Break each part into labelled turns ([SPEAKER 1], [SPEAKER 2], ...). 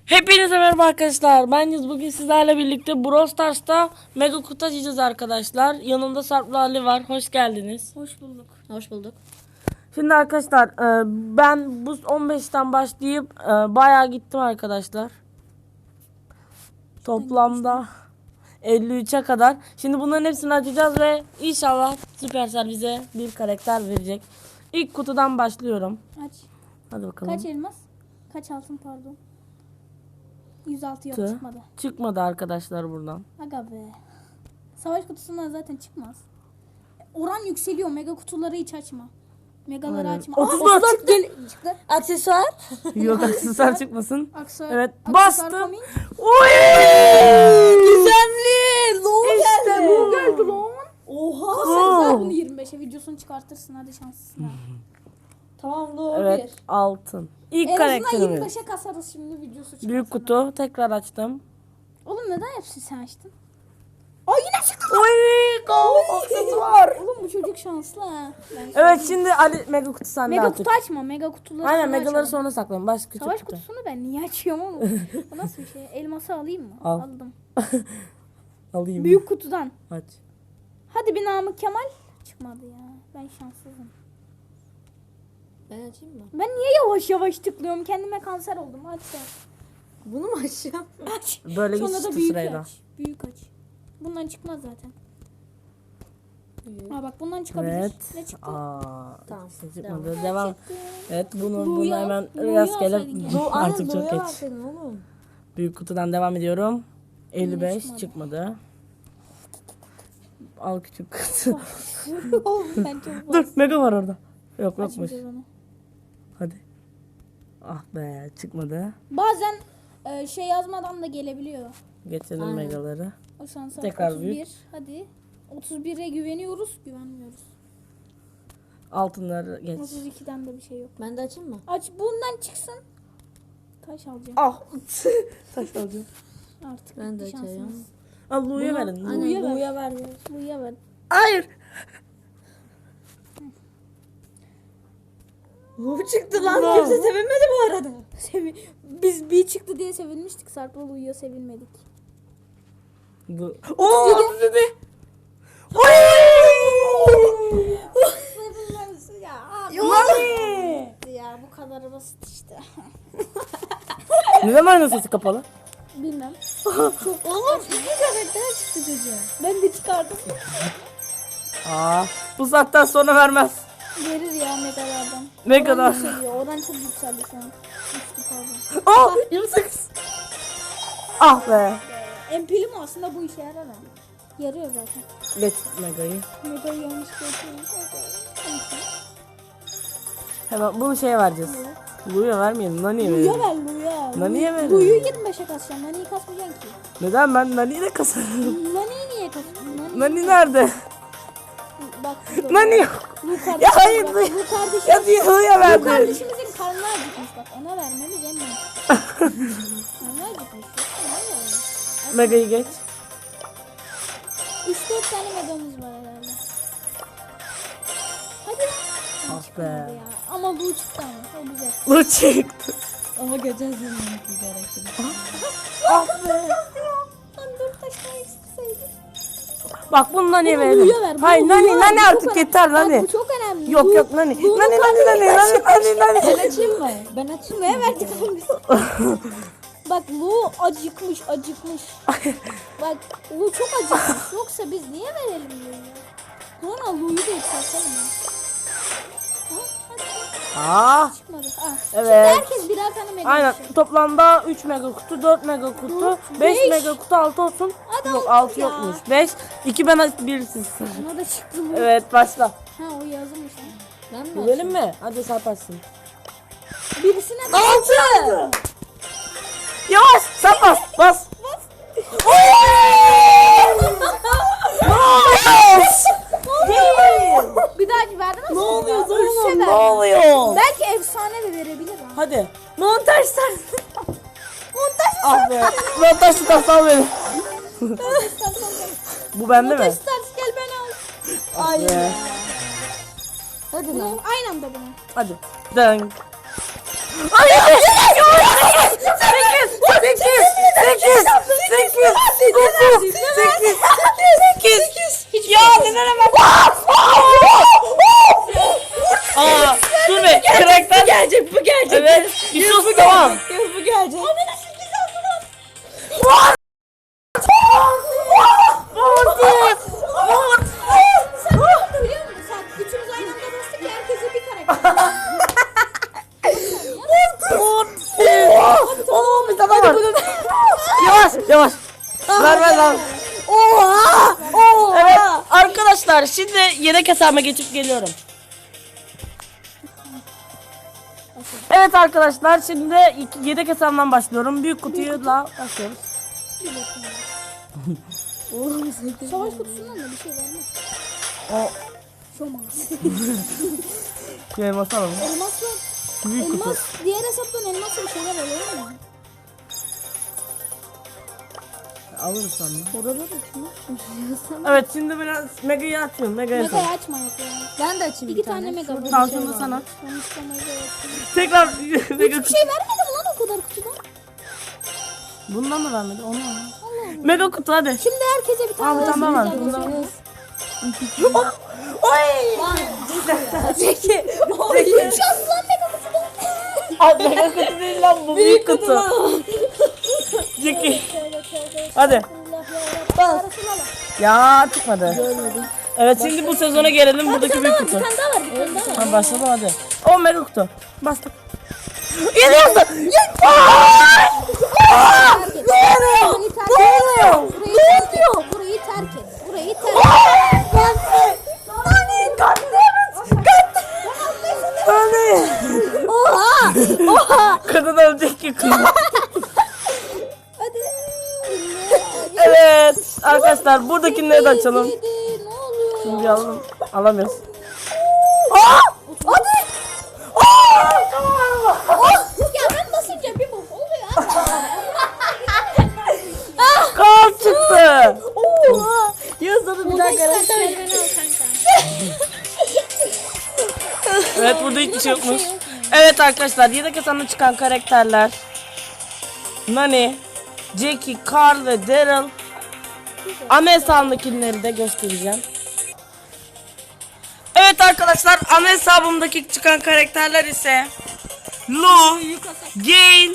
[SPEAKER 1] Hepinize merhaba arkadaşlar. Ben Yüz. Bugün sizlerle birlikte Brawl Stars'ta mega kutu açacağız arkadaşlar. Yanımda Sarp'la Ali var. Hoş geldiniz.
[SPEAKER 2] Hoş bulduk.
[SPEAKER 3] Hoş bulduk.
[SPEAKER 1] Şimdi arkadaşlar ben bu 15'ten başlayıp bayağı gittim arkadaşlar. Toplamda 53'e kadar. Şimdi bunların hepsini açacağız ve inşallah Supercell bize bir karakter verecek. İlk kutudan başlıyorum.
[SPEAKER 2] Aç.
[SPEAKER 1] Hadi bakalım.
[SPEAKER 2] Kaç elmas? Kaç altın pardon? 106 yok
[SPEAKER 1] Tı.
[SPEAKER 2] çıkmadı.
[SPEAKER 1] Çıkmadı arkadaşlar buradan.
[SPEAKER 2] Aga be. Savaş kutusundan zaten çıkmaz. Oran yükseliyor. Mega kutuları hiç açma. Megaları
[SPEAKER 1] Aynen.
[SPEAKER 2] açma.
[SPEAKER 1] 34
[SPEAKER 2] 34 gel çıktı.
[SPEAKER 3] Aksesuar.
[SPEAKER 1] Yok aksesuar çıkmasın.
[SPEAKER 2] Aksesuar.
[SPEAKER 1] Evet
[SPEAKER 2] Aksesuar
[SPEAKER 1] bastım.
[SPEAKER 2] coming.
[SPEAKER 1] Oy!
[SPEAKER 3] Gizemli. Low
[SPEAKER 1] İşte bu.
[SPEAKER 2] Geldi lan.
[SPEAKER 3] Oha.
[SPEAKER 2] Sen bunu 25'e videosunu çıkartırsın. Hadi şanslısın ha.
[SPEAKER 3] Tamam low
[SPEAKER 1] Evet altın. İlk
[SPEAKER 2] En azından
[SPEAKER 1] karakterimiz.
[SPEAKER 2] 25'e kasarız şimdi videosu çıkarsa.
[SPEAKER 1] Büyük kutu tekrar açtım.
[SPEAKER 2] Oğlum neden hepsini sen açtın? Aa yine çıktı.
[SPEAKER 1] Oy! Aksesuar.
[SPEAKER 2] Oğlum bu çocuk şanslı ha.
[SPEAKER 1] Evet şimdi Ali mega kutu sende
[SPEAKER 2] Mega
[SPEAKER 1] artık.
[SPEAKER 2] kutu açma. Mega kutuları
[SPEAKER 1] Aynen
[SPEAKER 2] sonra
[SPEAKER 1] megaları
[SPEAKER 2] açalım.
[SPEAKER 1] sonra saklayın. Baş küçük
[SPEAKER 2] Savaş
[SPEAKER 1] kutu.
[SPEAKER 2] kutusunu ben niye açıyorum oğlum? Bu nasıl bir şey? Elması alayım mı?
[SPEAKER 1] Al.
[SPEAKER 2] Aldım.
[SPEAKER 1] Alayım.
[SPEAKER 2] Büyük kutudan.
[SPEAKER 1] Aç.
[SPEAKER 2] Hadi bir Namık Kemal. Çıkmadı ya. Ben şanssızım.
[SPEAKER 3] Ben açayım mı?
[SPEAKER 2] Ben niye yavaş yavaş tıklıyorum? Kendime kanser oldum. Aç sen.
[SPEAKER 3] Bunu mu açacağım?
[SPEAKER 2] Aç.
[SPEAKER 1] Böyle
[SPEAKER 2] Sonra da
[SPEAKER 1] geçti
[SPEAKER 2] büyük
[SPEAKER 1] sırayla.
[SPEAKER 2] aç. Büyük aç. Bundan çıkmaz zaten. Ha bak bundan çıkabilir.
[SPEAKER 1] Evet.
[SPEAKER 2] Ne çıktı?
[SPEAKER 1] Aa,
[SPEAKER 3] Tamam,
[SPEAKER 1] çıkmadı. Devam. Evet bunu
[SPEAKER 2] Lu'yu
[SPEAKER 1] hemen
[SPEAKER 2] al, Lu'yu
[SPEAKER 1] rastgele
[SPEAKER 2] alsaydın keşke.
[SPEAKER 1] artık çok
[SPEAKER 3] Lowe'a
[SPEAKER 1] geç.
[SPEAKER 3] verseydin oğlum.
[SPEAKER 1] Büyük kutudan devam ediyorum. 55
[SPEAKER 2] çıkmadı.
[SPEAKER 1] çıkmadı. Al küçük kutu.
[SPEAKER 2] Ben çok
[SPEAKER 1] Dur mega var orada. Yok yokmuş.
[SPEAKER 2] Açmayacağız onu.
[SPEAKER 1] Hadi. Ah be çıkmadı.
[SPEAKER 2] Bazen şey yazmadan da gelebiliyor.
[SPEAKER 1] Geçelim
[SPEAKER 3] Aynen.
[SPEAKER 1] megaları.
[SPEAKER 2] O şansa
[SPEAKER 1] Tekrar
[SPEAKER 2] 31.
[SPEAKER 1] büyük.
[SPEAKER 2] Hadi. 31'e güveniyoruz. Güvenmiyoruz.
[SPEAKER 1] Altınları geç.
[SPEAKER 2] 32'den de bir şey yok.
[SPEAKER 3] Ben de açayım mı?
[SPEAKER 2] Aç bundan çıksın. Taş alacağım.
[SPEAKER 1] Ah. Taş alacağım.
[SPEAKER 2] Artık
[SPEAKER 3] Ben de
[SPEAKER 2] bitti
[SPEAKER 3] açıyorum.
[SPEAKER 2] şansımız.
[SPEAKER 1] Al Lu'ya verin. Lu.
[SPEAKER 3] Aynen
[SPEAKER 2] ver.
[SPEAKER 3] Lowe'a ver.
[SPEAKER 2] Buya ver.
[SPEAKER 1] Hayır.
[SPEAKER 3] Low çıktı lan.
[SPEAKER 1] Low.
[SPEAKER 3] Kimse sevinmedi bu arada.
[SPEAKER 2] Biz bir çıktı diye sevinmiştik. Sarp'la Lu'ya sevinmedik.
[SPEAKER 1] Bu. Oo 37. Oy! Nani?
[SPEAKER 2] Ya bu kadar basit işte.
[SPEAKER 1] Neden aynı sesi kapalı?
[SPEAKER 2] Bilmem.
[SPEAKER 3] Oğlum iki karakter çıktı çocuğa.
[SPEAKER 2] Ben de çıkardım.
[SPEAKER 1] Aa, bu saatten sonra vermez.
[SPEAKER 2] Verir ya megalardan.
[SPEAKER 1] Ne kadar?
[SPEAKER 2] Oran yükseliyor. Oran çok yükseldi şu an. Düştü pardon.
[SPEAKER 1] Aa 28. Ah be.
[SPEAKER 2] Empilim aslında bu işe yarar ha. Yarıyor zaten.
[SPEAKER 1] Geç megayı.
[SPEAKER 2] Mega'yı yanlış koyuyoruz.
[SPEAKER 1] Hemen bunu şeye vereceğiz. Lu'ya vermeyelim. Nani'ye
[SPEAKER 2] Lu'ya
[SPEAKER 1] verelim.
[SPEAKER 2] ver Lu'ya.
[SPEAKER 1] Nani'ye verin.
[SPEAKER 2] Lu'yu 25'e kasacaksın. Nani'yi kasmayacaksın ki.
[SPEAKER 1] Neden ben Nani'yi de kasarım?
[SPEAKER 2] Nani'yi niye kasıyorsun?
[SPEAKER 1] Nani nerede?
[SPEAKER 2] Bak.
[SPEAKER 1] Nani yok.
[SPEAKER 2] Lu kardeşim.
[SPEAKER 1] Ya hayır,
[SPEAKER 2] bak,
[SPEAKER 1] Lu-
[SPEAKER 2] Lu kardeşim.
[SPEAKER 1] Ya diye Lu'ya
[SPEAKER 2] Lu
[SPEAKER 1] verdi.
[SPEAKER 2] kardeşimizin karnı acıkmış bak. Ona vermemiz en mantıklı. Karnı acıkmış.
[SPEAKER 1] Megayı geç.
[SPEAKER 2] 3-4 tane megamız var herhalde. Hadi lan.
[SPEAKER 1] Ah be.
[SPEAKER 2] Ya. Ama Lu çıktı ama. O güzel.
[SPEAKER 1] Lu çıktı.
[SPEAKER 3] Ama geçen sene bir karakteri.
[SPEAKER 1] Ah be.
[SPEAKER 2] Lan 4 taş daha eksilseydi.
[SPEAKER 1] Bak bunu Nani'ye
[SPEAKER 2] Bunu
[SPEAKER 1] verelim.
[SPEAKER 2] Lu'ya ver, bunu
[SPEAKER 1] Hayır
[SPEAKER 2] Lu'ya
[SPEAKER 1] Nani
[SPEAKER 2] ver,
[SPEAKER 1] Nani
[SPEAKER 2] bu çok
[SPEAKER 1] artık
[SPEAKER 2] önemli.
[SPEAKER 1] yeter
[SPEAKER 2] Bak,
[SPEAKER 1] Nani.
[SPEAKER 2] bu çok önemli.
[SPEAKER 1] Yok
[SPEAKER 2] Lu-
[SPEAKER 1] yok Nani.
[SPEAKER 2] Lu'nun
[SPEAKER 1] Nani
[SPEAKER 2] karnı
[SPEAKER 1] Nani.
[SPEAKER 3] Ben açayım mı? Ben açayım
[SPEAKER 2] Ne
[SPEAKER 3] mı?
[SPEAKER 2] verdik oğlum biz? Bak Lu acıkmış. Bak Lu çok acıkmış. Yoksa biz niye verelim Lu'yu? Sonra Lu'yu da yükseltelim ya. Ha, hadi.
[SPEAKER 1] Ah.
[SPEAKER 2] Çıkmadı. Ah.
[SPEAKER 1] Evet.
[SPEAKER 2] Şimdi herkes birer tane mega
[SPEAKER 1] Aynen
[SPEAKER 2] düşüyor.
[SPEAKER 1] toplamda 3 mega kutu, 4 mega kutu,
[SPEAKER 2] Dört,
[SPEAKER 1] 5
[SPEAKER 2] beş.
[SPEAKER 1] mega kutu, 6 olsun.
[SPEAKER 2] Hadi
[SPEAKER 1] Yok
[SPEAKER 2] altı
[SPEAKER 1] 6
[SPEAKER 2] ya.
[SPEAKER 1] yokmuş. 5, 2 ben 1 siz.
[SPEAKER 2] Ona da çıktı Lu.
[SPEAKER 1] Evet başla.
[SPEAKER 2] Ha o yazılmış lan.
[SPEAKER 3] Ben mi
[SPEAKER 1] Güvelim mi? Hadi sarparsın.
[SPEAKER 2] Birisine
[SPEAKER 3] 6.
[SPEAKER 1] Yavaş sen bas bas.
[SPEAKER 2] bir dahaki verdin mi?
[SPEAKER 3] Ne oluyor
[SPEAKER 2] Ölse
[SPEAKER 1] Ne
[SPEAKER 2] ver.
[SPEAKER 1] oluyor?
[SPEAKER 2] Belki efsane de verebilir ha.
[SPEAKER 1] Hadi.
[SPEAKER 3] Montaj sen.
[SPEAKER 1] Ah be. Ben taş tutarsan beni. Bu bende mi?
[SPEAKER 2] Stars gel beni al.
[SPEAKER 1] Ah be.
[SPEAKER 3] Hadi lan.
[SPEAKER 2] Aynı anda bunu.
[SPEAKER 1] Hadi. Dön. Ay! 8!
[SPEAKER 3] gelecek.
[SPEAKER 2] Sen ne oldu biliyor musun? Sen üçümüz aynı anda bastık ya herkese bir karakter.
[SPEAKER 1] Oo bir tane var. Yavaş yavaş. Ver.
[SPEAKER 3] Oha! Oha!
[SPEAKER 1] Evet arkadaşlar şimdi yedek hesabıma geçip geliyorum. Evet arkadaşlar şimdi yedek hesabından başlıyorum. Büyük kutuyla başlıyoruz.
[SPEAKER 3] Oğlum sakın.
[SPEAKER 2] Savaş kutusundan da bir şey vermez.
[SPEAKER 1] O
[SPEAKER 2] Şomaz.
[SPEAKER 1] elması alalım.
[SPEAKER 2] Elmas var.
[SPEAKER 1] Büyük kutu.
[SPEAKER 2] Elmas. Diğer hesaptan elmasla bir şeyler oluyor mu?
[SPEAKER 1] Alırız sanırım.
[SPEAKER 2] Oraları açma.
[SPEAKER 1] Evet şimdi biraz Mega'yı açıyorum. Mega'yı
[SPEAKER 2] Mega'yı
[SPEAKER 1] açıyorum.
[SPEAKER 2] açmayak yani.
[SPEAKER 3] Ben de açayım
[SPEAKER 2] İki tane mega var.
[SPEAKER 1] Tamam şunu da sana.
[SPEAKER 2] Sonuçta mega yok.
[SPEAKER 1] Tekrar Mega
[SPEAKER 2] Hiçbir şey vermedi mi lan o kadar kutudan?
[SPEAKER 1] Bundan mı vermedi? Onu mu? Mega kutu hadi.
[SPEAKER 2] Şimdi herkese bir tane
[SPEAKER 1] Al, tamam,
[SPEAKER 2] daha
[SPEAKER 1] al.
[SPEAKER 2] güzel
[SPEAKER 1] Bundan-
[SPEAKER 2] güzel.
[SPEAKER 1] Oy!
[SPEAKER 3] Zeki.
[SPEAKER 2] Şans lan mega kutudan.
[SPEAKER 1] Abi Mega kutu değil lan bu büyük kutu. Ciki. Hadi.
[SPEAKER 2] Bas.
[SPEAKER 1] Ya çıkmadı. Evet şimdi bu sezona gelelim buradaki büyük kutu.
[SPEAKER 2] Bir tane daha var. Bir tane daha var.
[SPEAKER 1] Ha, başladım hadi. O Mega kutu. Bastık. Yedi yazdı.
[SPEAKER 2] Burayı terk et. Burayı terk et.
[SPEAKER 1] Kadın ölecek ki kız.
[SPEAKER 2] Hadi.
[SPEAKER 1] Evet arkadaşlar buradakileri de açalım.
[SPEAKER 2] Yedi, ne oluyor?
[SPEAKER 1] Şimdi alalım. Alamıyoruz.
[SPEAKER 2] Hadi. Ya ben basınca bir bok oluyor.
[SPEAKER 1] Kal çıktı.
[SPEAKER 3] Oha! Yazdı bir daha karakter.
[SPEAKER 2] Beni al kanka.
[SPEAKER 1] Evet burada hiçbir şey yokmuş. Evet arkadaşlar yedek hesabına çıkan karakterler Nani, Jackie, Carl ve Daryl. Ana hesabımdakileri de göstereceğim. Evet arkadaşlar ana hesabımdaki çıkan karakterler ise Lu, Gale,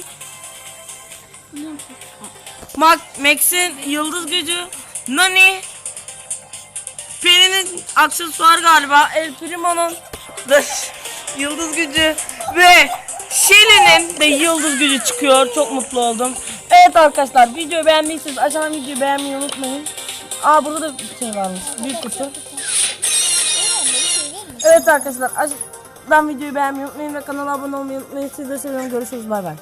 [SPEAKER 1] Max'in yıldız gücü, Nani, Penny'nin aksesuar galiba, El Primo'nun da yıldız gücü ve Shelly'nin de yıldız gücü çıkıyor. Çok mutlu oldum. Evet arkadaşlar videoyu beğendiyseniz aşağıdan videoyu beğenmeyi unutmayın. Aa burada da bir şey varmış. Büyük kutu. Evet arkadaşlar aşağıdan videoyu beğenmeyi unutmayın ve kanala abone olmayı unutmayın. Sizi de seviyorum. Görüşürüz. Bay bay.